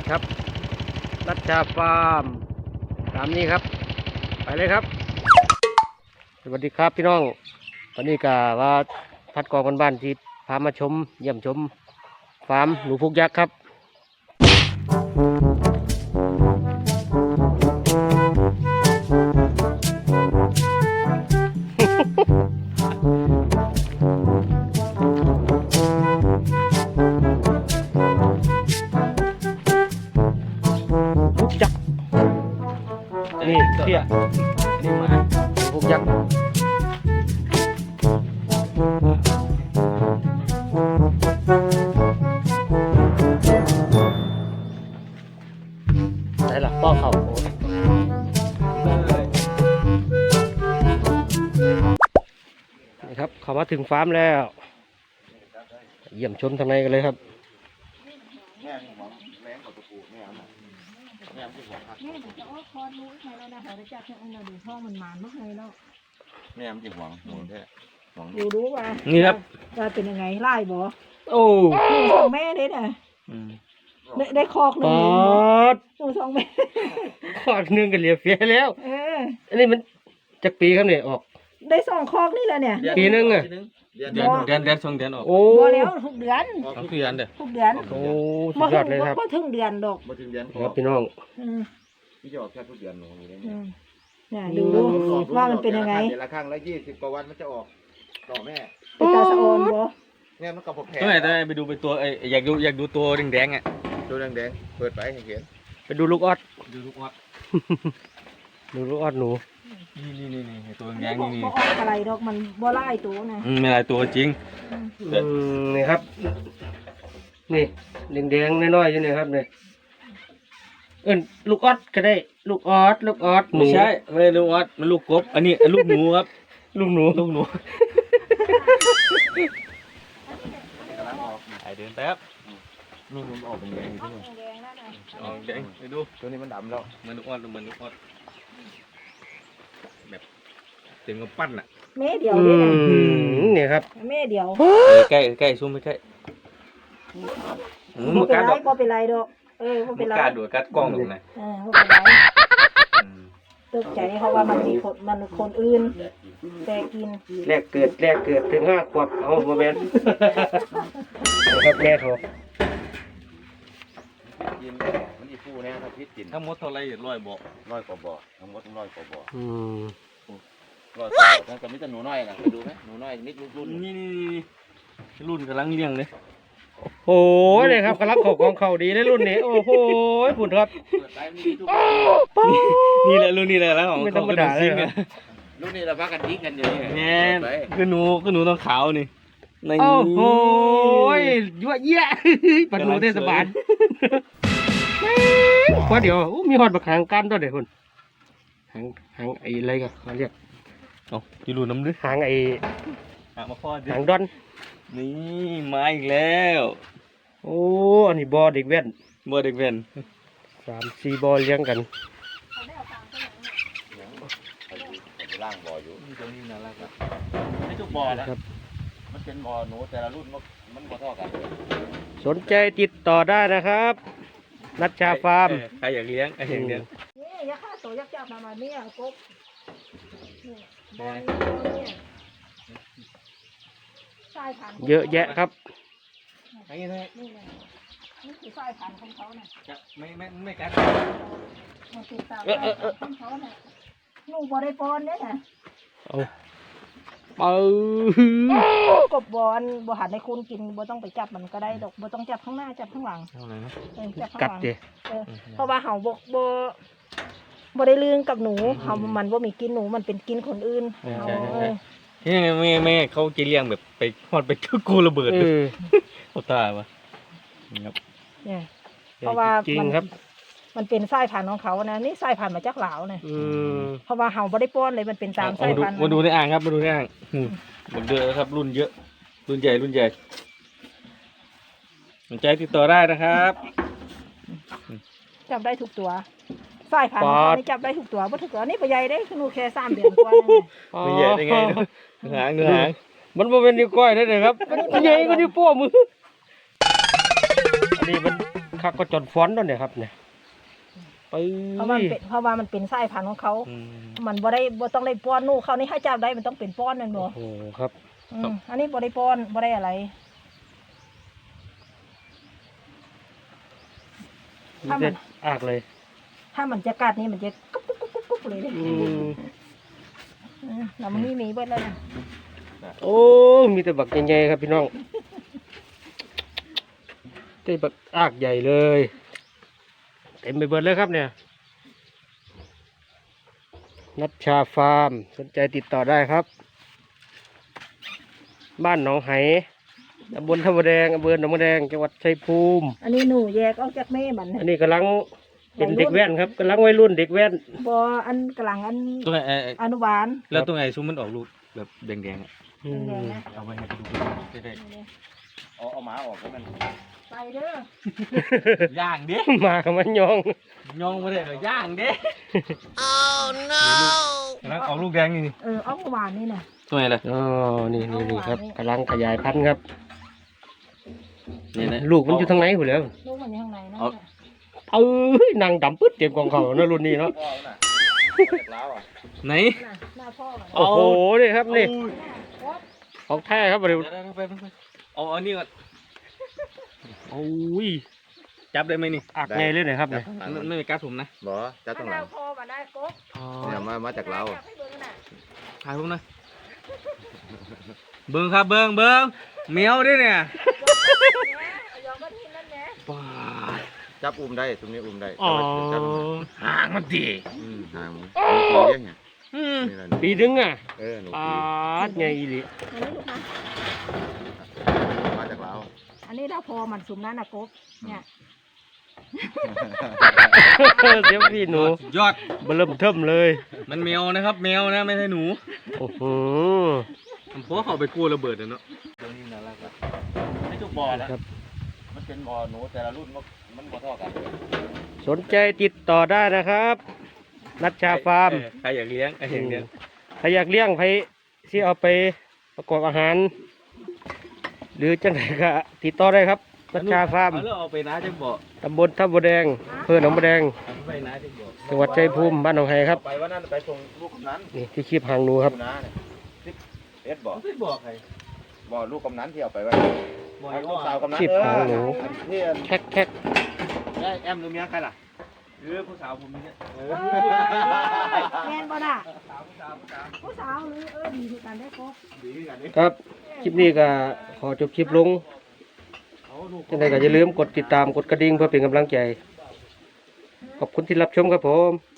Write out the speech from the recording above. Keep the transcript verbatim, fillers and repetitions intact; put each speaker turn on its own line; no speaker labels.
ครับรัชชาฟาร์มตามนี้ครับไปเลยครับสวัสดีครับพี่น้องวันนี้ก็ว่าพัดกองกันบ้านที่พามาชมเยี่ยมชมฟาร์มหนูพุกยักษ์ครับพุกยักษ์นี่เที่ยนี่มาหนูพุกยักษ์ไหนล่ะป้อเขานี่ครับเขามาถึงฟาร์มแล้วเยี่ยมชมทางในกันเลยครับ
แม่ที่หวังแรงกว่าตัวกูแม่เอาหน่อยแม่ที่หวังครับ
แม่เดี๋ยวจะเอาคอรู้ใครแล้วนะเขาจะจับเนี่ยเราดูท้องมันหมานเมื่อไงแล้ว
แม่ที่หวังหมูแท้หวัง
ดูรู้ว่า
นี่ครับ
ว่าเป็นยังไงไล่บ่
โอ้
หนูสองแม่เด้น่ะได้ได้คอกหนึ่
ป
ง
อด
หนูสองแม่
ขอดหนึ่งกันเหลียเฟียแล้ว
เออ
อันนี้มันจากปีครับเนี่ยออก
ได้สองคอกนี่แหละเนี่ย
ปีนึงอะ
เดือน
เดื
เดื
อ
อน น
เดือนเดือนสองเดือนออก
โอ้
พอแล้วทุกเดือน
สองเดือนเด้อ
ทุกเดือน
โอ้สุดยอดเลยครับ
ก็ถึงเดือนดอก
มาถึงเดือน
ครับพี่น้อง
อืม
พี่จะออกแค่ทุกเดือนหนูอยู่เลย
อื
เนี่ย
มเนี่ยดูว่ามันเป็นยังไง
เดือนละครั้งละยี่สิบกว่าวันมันจะออกต่อแม่
เป็นตาสะออนบ่
แม่มันกับผมแผล
ต้องไหนต้องไหนไปดูไปตัวเอ้ยอยากดูอยากดูตัวแดงๆอ่ะ
ดูแดงๆเปิดไปให้เห็น
ไปดูลูกออด
ดูลูกวัด
ดูลูกออดหนู
นี่นี่นี่นี่ตัว
อัน
แด
นี้
ง
บอ
นี่
ก
นี่
บ่ออกอะไรดอกมันบ่ไล่ตัวนะ
อืมไม่หลายตัวจริง
อืมนี่ครับ นี่แดงๆน้อยๆอยู่นี่ครับเนี่ยเอิ้นลูกออดก็ได้ ลูกออดลูกออดหนู
ไม่ใช่ไม่ใช่ลูกวัดมันลูกกบอันนี้อันลูกหนูครับ
ลูกหนู
ลูกหนู
กำลังออก
ไอเดินแป๊บ
นี่มันออกเป็นแดงอยู่ที่นี่
แดงๆนั่นน่ะ
อ๋อแดงไปดู
ตัวนี้มันดำแล้ว
เหมือนลูกวัดเหมือนลูกวัดแบบเต็มกับปั้นอ่ะ
แม่เดียว
อื
นี่นะ
มนี่ครับ
แม่เดียว
เออใกล้ใกล้ซูมไปใกล้อืม
บ่
มัน
เป็น
กัด
ไร
ดอก
บ่เป็นไรดอกเออบ่
มั
เป็น นไร
กัดดูกัดกล้องตรงไหน
เออบ่เป็นไร
อืม
ตกใจเพราะว่ามันมีคนมันคนอื่นแต่กิน
แรกเกิดแรกเกิดถึงห้าขวบเอาโมเมนต์นะครับแม่เขา
กินมันอีฟูแน่ถ้าพิษกิน
ทั้งหมดเท่าไรร้อยบอก
ร้อยกว่าบ่อทั้งหมดร้อยกว่าบ่อ
อืม
ร้อยกว่าบ่อทั้งกับมิตรหนูน้อยนะไปดูไหมหนูน้อยนิดรุ่น
นี่นี่นี่รุ่นกำลังเลี้ยงเลย
โอ้ยเลยครับกำลังเขาของเขาดีในรุ่นนี้ โอ้โหผุนครับ
เปิดไปมันมีทุก
นี่แหละรุ่นนี้แหละแล้วของ
ไม่ธรรมดาเลยครับ
รุ่นนี้เราพักกันทิ้งกันอยู่นี่
แง่คือหนูคือหนูต้องขาวนี่ใน
โอ้โหยั่วเยี่ยปัดหนูเทศบาลพอเดี๋ยวอู้มีหอดบักหางกันด้วยเดี๋ยวคุณหางหางไอ้อะไรกันเขาเรียก
เอาที่รุ่นน้ำลึก
หางไอ้
หามาพ่อดิ
หางดอน
นี่มาอีกแล้ว
โอ้อันนี้บอเด็กแว่น
บ่เด็กเว้น
สามสี่บอเลี้ยงกัน
ล่างบ่ออยู่
นี่ตัวนี้น่ารักอ่ะ
ไม่ทุกบ่อนะครับ มันเป็นบ่อหนูแต่ละรุ่นมันมันบ่เท่ากัน
สนใจติดต่อได้นะครับนัชชาฟาร์ม
ใครอยากเลี้ยงใครอยากเลี้ยง
นี่ยักษ์ฆ่าตัวยักษ์จับมามาเนี่ยกบนี่บอลเนี่ยสายพันธุ์
เยอะแยะครับ
ไอ้นี่
นี่แหละนี่คือสายพันธุ์ของเขาเนี่ย
จะไม่ไม่ไม่กัด
มันติดตามสายพันธุ์ของเขาเนี่ยหนูบอได้ปอนเนี่ยนะ
เอาเปิด
กบบอลบอหันในคุณกินบอต้องไปจับมันก็ได้ดอกบอต้องจับข้างหน้าจับข้างหลัง
เอาอะไรนะ
เออจับข้าง
กัด
หลัง
เจ
เออเพราะว่าเห่าบกบอบอได้ลืงกับหนูเห่ามันบ่มีกินหนูมันเป็นกินคนอื่นเห่าเออ
ที่ไงแม่แม่เขาจะเลี้ยงแบบไปทอดไปกูระเบิด
เออ
เขาตายวะครับ
เนี่ยเพราะว่า
จริง
มัน
ครับ
มันเป็นสายพันธุ์ของเขานะนี่สายพันธุ์มาจากลาวนะ
อืม
เพราะว่าเห่าบ่ได้ป้อนเลยมันเป็นตาม
เอา
สาย
มาดู
พันธุ์
มาดูในอ่างครับมาดูในอ่างอืมหมดเยอะครับ รุ่นเยอะ รุ่นใหญ่รุ่นใหญ่สนใจติดต่อได้นะครับ
จับได้ทุกตัวสายพันธุ์ของเขานี่จับได้ทุกตัวบ่ทุกตัวนี่ปใหญ่ได้คือหนูแค่สามเดือนกว่านั่นน่ะ
ไม่ใหญ่ได้ไงเนอะเนื้อหางเนื้อหาง
มันบ่เป็นนิ้วก้อยได้เลยครับมันใหญ่กว่านิ้วโป้งมืออันนี้มันคักก็จนฟ้อนแล้วเนี่ยครับเนี่ยไป
เพราะว่ามันเป็นเพราะว่ามันเป็นสายพันธุ์ของเขา
อืม
มันบ่ได้บ่ต้องได้ป้อนนู่เขานี่ให้จับได้มันต้องเป็นป้อนนั่นบ่
โอ้โหครับ
อืมอันนี้บ่ได้ป้อนบ่ได้อะไร
มีแต่อากเลย
ถ้ามันจะกัดนี่มันจะกุ๊บกุ๊บกุ๊บกุ๊บกุ๊บเลยเด้
อืม
อืมแล้วมันมีมีเบิดแล้วนะ
โอ้มีแต่บักใหญ่ๆครับพี่น้องได้บักอากใหญ่เลยเต็มไปเบิดเลยครับเนี่ยนัชชาฟาร์มสนใจติดต่อได้ครับ บ้านหนองไหตำบลท่าบัวแดงอำเภอหนองบัวแดงจังหวัดชัยภูมิ
อันนี้หนูแยกออกจากแม่มัน
อันนี้กำลังเป็นเด็กแว่นครับกำลังวัยรุ่นเด็กแว่น
บ่อันกลางอัน
ตัวไหนเอ่อ
อนุบาล
แล้วตัวไหนซุ้มมันออกลูกแบบแดงๆอะ
อืม
แดงๆนะ
เอาไว้ให้ดูได้
เอาเอาหมาออกให้มัน
ไปเด้อ
ย่างเด้
มากับมันยอง
ยองไม่ได้เหรอย่างเด้โอ้ no แล้วออกลูกแดงนี่นี่
เออเอาเมื่อวานนี่น่ะ
ตัวไหนล่ะ
อ๋อนี่นี่นี่ครับกำลังขยายพันธุ์ครับ
นี่นะ
ลูกมันอยู่ทางไหนอยู่แล้ว
ลูกมันอยู่ข้างในนั่น
เอา
น่ะ
เอ้ยนางดำปึ๊ดเต็มกองเขาเนอะรุ่นนี้เนาะ
พ่อน่ะจากล้าวอ่ะ
ไหน
น่ะหน้าพ่อมัน
โอ้โหนี่ครับนี่
โอ๊ย
ของแท้ครับเร็ว
เดี๋ยวๆไปไปไปเอาเอานี่ก่อน
โอ้ย
จับได้ไหมนี่
อักไงเลยเนี่ยครับเนี่ย
มันไม่มีการสุ่มนะ
บ่จับตรงหลัง
หน้าพ่อมันได้กบ
เนี่ยมามาจากล้าว
จับให้เบิ่งน่ะ
ถ่ายผมหน่อยเบิ้งครับเบิ้งเบิ้งเมียวด้วยเนี่ย
เอายอมก็ทิ้งนั่นแหละ
ว้า
จับอุ้มได้ตรงนี้อุ้มได้
อ๋อ
จับ
ห่างมันดี
อืมห่างมันปีเลี้ยงไง
อืม
นี่แหละ
ปีนึงอ่ะ
เออหนู
ปา
ปี
ดไงอีหลี
อันนี้ลูกนะ
มาจากล้าว
อันนี้เราพอมันสุ่มนั่นน่ะกบเนี่ย
เดี๋ยวพี่หนู
สุดยอด
เบอเริ่มเทิมเลย
มันแมวนะครับแมวนะไม่ใช่หนู
โอ้โห
ผมเพราะเขาไปกู้ระเบิดนะเนาะ
ตรงนี้น่ารักอ่ะไม่ทุกบ่อนะครับ มันเป็นบ่อหนูแต่ละรุ่นมันมันบ่เท่ากัน
สนใจติดต่อได้นะครับ นัชชาฟาร์ม
เออใครอยากเลี้ยงใครอยากเลี้ยง
ใครอยากเลี้ยงใครที่เอาไปประกอบอาหาร หรือจังไหนก็ติดต่อได้ครับนัชชาฟาร์ม
เอาแล้วเอาไปน้าจังบ่อ
ตำบลท่าบัวแดงอำเภอหนองบัวแดง
เอาไปน้าจังบ่อ
จังหวัดชัยภูมิบ้านหนองไฮครับ
ไปวันนั้นไปส่งลูกกำนัน
นี่ที่คีบหางหนูครับ
อยู่นะเนี่ยสิบเอ็ดบ่อ
เอาไปบอกใคร
บ่อลูกกำนันที่เอาไปไว้
บอก
ลูกสาวกำนัน
สิบหางหนู
อันที่
แท็กแท็ก
ได้แอมหรือเมียใครล่ะ
เออผู้สาวผมนี่เนี่ย
เอ
เอ
อ
อแมนบ่น่ะ
สาวผู้สาวผู้สาว
ผู้สาวหรือเออดีคือกันได้กบ
ดีกันนี่
ครับ คลิปนี้ก็ขอจบคลิปลง
เอาลูก
จังไหนก็อย่าลืมกดติดตามกดกระดิ่งเพื่อเป็นกำลังใจ ขอบคุณที่รับชมครับผม